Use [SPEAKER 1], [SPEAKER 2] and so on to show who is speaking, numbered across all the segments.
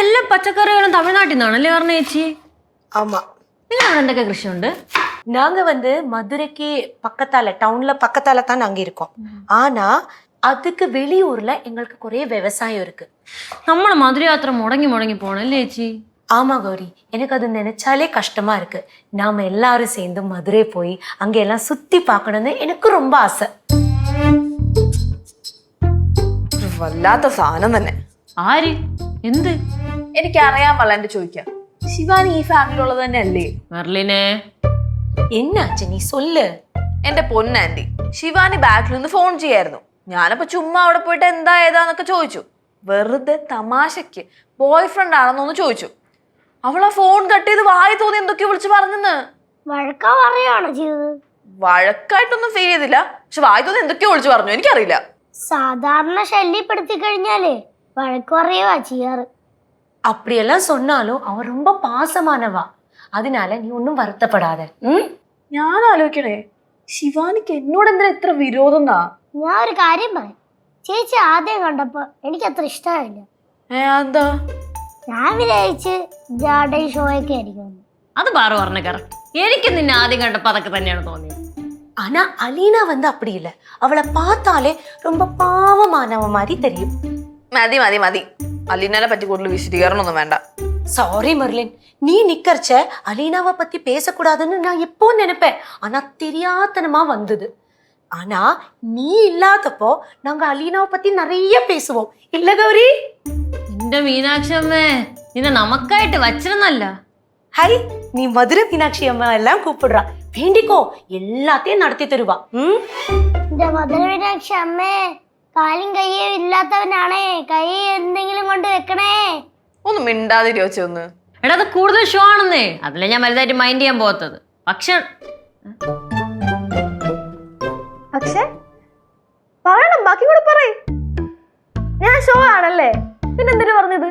[SPEAKER 1] എല്ലാ പച്ചക്കറികളും തമിഴ്നാട്ടിൽ നിന്നാണല്ലേ പറഞ്ഞ ചേച്ചി?
[SPEAKER 2] ஆமா.
[SPEAKER 1] നിങ്ങൾ അവിടെ എന്തൊക്കെ കൃഷിയുണ്ട്?
[SPEAKER 2] நாங்க மதுரைக்கு பக்கத்தால டவுன்ல பக்கத்தால தான் நாங்க இருக்கோம். ஆனா அதுக்கு வெளியூர்ல எங்களுக்கு குறைய விவசாயம் இருக்கு.
[SPEAKER 1] നമ്മളെ മധുരയാത്ര മുടങ്ങി പോണല്ലേ ചേച്ചി?
[SPEAKER 2] ஆமா கௌரி, எனக்கு அது நினைச்சாலே கஷ்டமா இருக்கு. நாம எல்லாரும் சேர்ந்து மதுரை போய் அங்க எல்லாம் சுத்தி பார்க்கணும்னு எனக்கு ரொம்ப ஆசை.
[SPEAKER 3] വല്ലാത്ത സാധനം തന്നെ.
[SPEAKER 1] ആര്? എന്ത്?
[SPEAKER 3] എനിക്കറിയാൻ വല്ലാണ്ട് ചോദിക്കാം. ശിവാനി ഈ ഫാമിലിയുള്ളത് തന്നെ അല്ലേ?
[SPEAKER 1] മെർലിനെ,
[SPEAKER 2] என்னாச்சு நீ சொல்லு.
[SPEAKER 3] എന്റെ പൊന്നാൻറ്റി, ശിവാനി ബാക്കിൽ നിന്ന് ഫോൺ ചെയ്യായിരുന്നു. ഞാനപ്പോ ചുമ്മാ അവിടെ പോയിട്ട് എന്താ ഏതാന്നൊക്കെ ചോദിച്ചു. വെറുതെ തമാശക്ക് ബോയ് ഫ്രണ്ട് ആണെന്നൊന്ന് ചോദിച്ചു. അവളാ ഫോൺ കട്ട് ചെയ്ത് വായി തോന്നി എന്തൊക്കെയോ വിളിച്ച് പറഞ്ഞെന്ന്. വഴക്കായിട്ടൊന്നും ഫീൽ ചെയ്തില്ല, പക്ഷെ വായി തോന്നി എന്തൊക്കെയോ വിളിച്ചു പറഞ്ഞു. എനിക്കറിയില്ല.
[SPEAKER 4] സാധാരണ ശല്യപ്പെടുത്തി കഴിഞ്ഞാലേ വഴക്ക് പറയുവാ ചെയ്യാറ്.
[SPEAKER 2] அப்படியெல்லாம் சொன்னாலும் அவன் ரொம்ப பாசமானவா. அதனால நீ ஒன்னும் வருத்தப்படாத.
[SPEAKER 3] ഞാൻ ആലോചിക്കണേ, ശിവാനിക്ക് എന്നോട് എന്തിനാ ഇത്ര വിരോധം?
[SPEAKER 4] ഞാൻ ഒരു കാര്യം പറയാം. ചേച്ചി ആദ്യം കണ്ടപ്പോ എനിക്ക് അത്ര ഇഷ്ടമായില്ല.
[SPEAKER 3] എന്താ?
[SPEAKER 4] ഞാൻ വിചാരിച്ച് ജാഡേ ഷോയൊക്കെ ആയിരിക്കും.
[SPEAKER 1] അത് പാറു പറഞ്ഞ കറക്റ്റ്. എനിക്ക് നിന്നെ ആദ്യം കണ്ടപ്പോ അതൊക്കെ തന്നെയാണ് തോന്നിയത്.
[SPEAKER 2] ஆனா அலீனா அப்படி இல்ல. அவளை பார்த்தாலே ரொம்ப பாவமானவ மாதிரி தெரியும்.
[SPEAKER 3] മതി മതി മതി, അലീനനെ പറ്റി കൂടുതൽ വിശദീകരണമൊന്നും വേണ്ട.
[SPEAKER 2] சாரி மெர்லின், நீ நிக்கறச்ச அலீனாவை பத்தி பேசக்கூடாதுன்னு நான் எப்போ நினைப்பேன். ஆனா தெரியாதனமா வந்தது. ஆனா நீ இல்லாதப்போ நாங்க அலீனாவை பத்தி நிறைய பேசுவோம். இல்ல கௌரி?
[SPEAKER 1] എന്റെ മീനാക്ഷി അമ്മേ, നിന്നെ നമുക്കായിട്ട് വച്ചിരുന്നല്ല.
[SPEAKER 2] ஹை, நீ மதுரை மீனாட்சி அம்மா எல்லாம் கூப்பிடுறா. வேண்டிக்கோ, எல்லாத்தையும் நடத்தி தருவா.
[SPEAKER 4] എന്റെ മധുര മീനാക്ഷി അമ്മേ, കാലും കയ്യും ഇല്ലാത്തവനാണേ, കൈ എന്തെങ്കിലും കൊണ്ട് വെക്കണേ.
[SPEAKER 3] ഒന്ന് മിണ്ടാതിരിയോ ഒന്ന്.
[SPEAKER 1] എടാ അത് കൂടുതൽ ഷോ ആണെന്നേ, അതിലെ ഞാൻ വലുതായിട്ട് മൈൻഡ് ചെയ്യാൻ പോകത്തത്. പക്ഷെ
[SPEAKER 3] പറയണം, ബാക്കി കൂടെ പറയ്. ഞാൻ ഷോ ആണല്ലേ, പിന്നെന്തിനു പറഞ്ഞത്?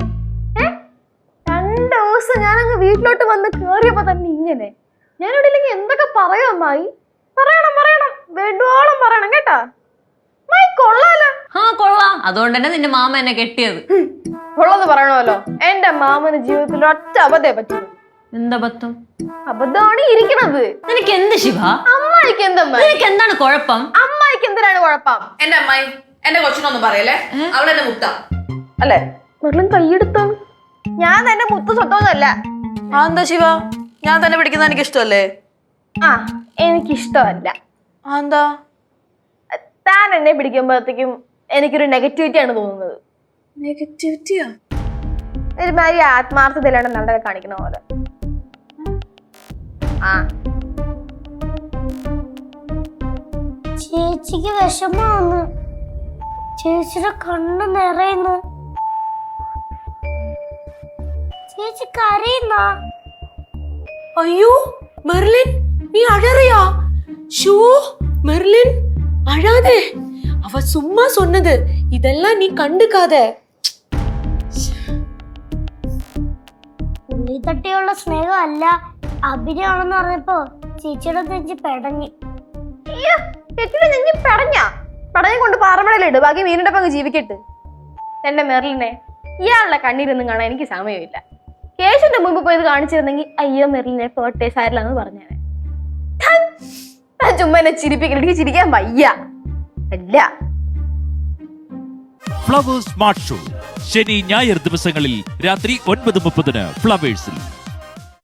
[SPEAKER 3] 2 ദിവസം ഞാനങ്ങ് വീട്ടിലോട്ട് വന്ന് കേറിയപ്പോ തന്നെ ഇങ്ങനെ. ഞാനിവിടെ ഇല്ലെങ്കിൽ എന്തൊക്കെ പറയും അമ്മായി? പറയണം വേണ്ടോളം പറയണം കേട്ടാ. കൊള്ളാലോ.
[SPEAKER 1] കൊള്ളാം, അതുകൊണ്ട് തന്നെ നിന്റെ മാമ എന്നെ കെട്ടിയത്.
[SPEAKER 3] ഉള്ളത് പറയണമല്ലോ. എന്റെ മാമന് ജീവിതത്തിൽ ഒറ്റ അബദ്ധേ പറ്റൂ.
[SPEAKER 1] എന്താ അബദ്ധം?
[SPEAKER 3] അബദ്ധമാണ് ഇരിക്കണത്.
[SPEAKER 1] നിനക്ക് എന്ത് ശിവ?
[SPEAKER 3] അമ്മായിക്ക് എന്തമ്മ?
[SPEAKER 1] നിനക്ക് എന്താണ് കുഴപ്പം?
[SPEAKER 3] അമ്മായിക്ക് എന്തിനാണ് കുഴപ്പം? എന്റെ അമ്മായി എന്റെ കൊച്ചിനൊന്നും പറയല്ലേ, അവളെന്നെ മുത്ത അല്ലേ? വെള്ളം കൈയെടുത്തോ? ഞാൻ തന്നെ മുത്ത് സ്വട്ടമൊന്നുമല്ല. എന്താ ശിവ, ഞാൻ തന്നെ പിടിക്കുന്ന എനിക്ക് ഇഷ്ടമല്ലേ? എനിക്കിഷ്ടമല്ല. എന്താ? താൻ എന്നെ പിടിക്കുമ്പോഴത്തേക്കും എനിക്കൊരു നെഗറ്റിവിറ്റി ആണ് തോന്നുന്നത്. നെഗറ്റിവിറ്റിയാ? ഒരുമാതിരി ആത്മാർത്ഥതയിലാണ് നല്ലത് കാണിക്കണ പോലെ.
[SPEAKER 4] ചേച്ചിക്ക് വിഷമാന്ന്. ചേച്ചിയുടെ കണ്ണ് നിറയുന്നു. ചേച്ചി കരയുന്ന.
[SPEAKER 2] ஐயோ மெர்லின், நீ அழறியா? ஷூ மெர்லின், அழாதே. அவ சும்மா சொன்னது, இதெல்லாம் நீ கண்டுக்காத.
[SPEAKER 4] ഉള്ളി തട്ടിയുള്ള സ്നേഹം അല്ല, അഭിനയാണെന്ന് പറഞ്ഞപ്പോ ചേച്ചിയുടെ നെഞ്ചി പെടഞ്ഞു.
[SPEAKER 3] പടഞ്ഞ കൊണ്ട് പാറമടയിലിട്ട് ബാക്കി മീനിന്റെ പങ്ക് ജീവിക്കട്ട്. എന്റെ മെർലിനെ ഇയാളുടെ കണ്ണീരൊന്നും കാണാൻ എനിക്ക് സമയമില്ല. കേശുന്റെ മുമ്പ് പോയത് കാണിച്ചിരുന്നെങ്കിൽ അയ്യോ മെർലിനെ പോട്ടെ സാരില്ലാന്ന് പറഞ്ഞേനെ. ചുമ്മാ എന്നെ ചിരിപ്പിക്കൽ, എനിക്ക് ചിരിക്കാൻ വയ്യ. അല്ല.
[SPEAKER 5] ഫ്ലവേഴ്സ് സ്മാർട്ട് ഷോ ശനി ഞായർ ദിവസങ്ങളിൽ രാത്രി 9:30 ഫ്ലവേഴ്സിൽ.